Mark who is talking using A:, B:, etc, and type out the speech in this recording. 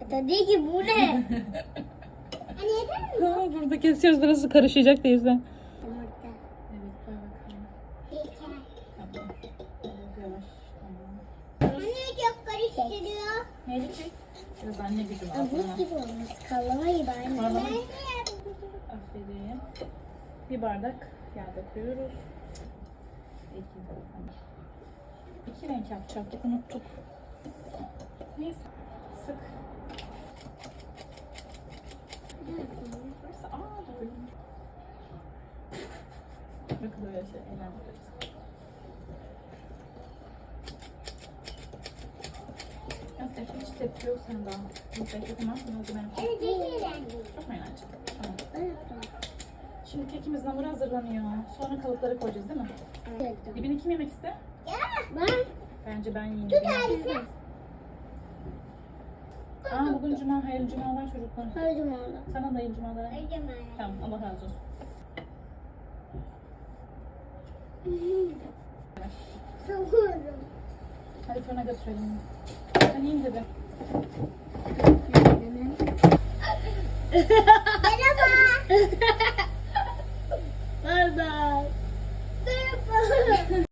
A: Tabii ki bu ne? Hani yeter mi?
B: Tamam, burada kesiyoruz. Burası karışacak teyze.
A: Yumurta.
B: Evet, koy bakalım.
A: Yeter.
B: Tamam. Evet, yavaş. Tamam.
A: Anne çok karıştırıyor.
B: Neydi ki? Biraz anne gücüm al.
A: Buz gibi olmuş. Kallama gibi anne.
B: Kallama.
A: Ben de
B: Aferin. Bir bardak yağ döküyoruz. İki renk yapacaktık, unuttuk. Neyse. Sık. Burası doğru. Bakın böyle şey eğlendiriyoruz. Aslında hiç tepki yok sen daha. Bu tepki tamam mı?
A: Evet, yeter.
B: Çok mu eğlenceli? Tamam.
A: Evet.
B: Şimdi kekimizin hamuru hazırlanıyor. Sonra kalıplara koyacağız değil mi?
A: Evet.
B: Dibini kim yemek ister?
A: Ben.
B: Bence ben yiyeyim.
A: Tut Arif'e.
B: Bugün cuma, hayırlı cumalar çocuklar.
A: Her zaman oldu.
B: Sana da hayırlı cumalar.
A: Her zaman.
B: Tamam, Allah razı olsun.
A: Sokuyorum.
B: Hadi fırına götürelim. Ben yiyeyim dedim.
A: Merhaba. Merhaba. Merhaba.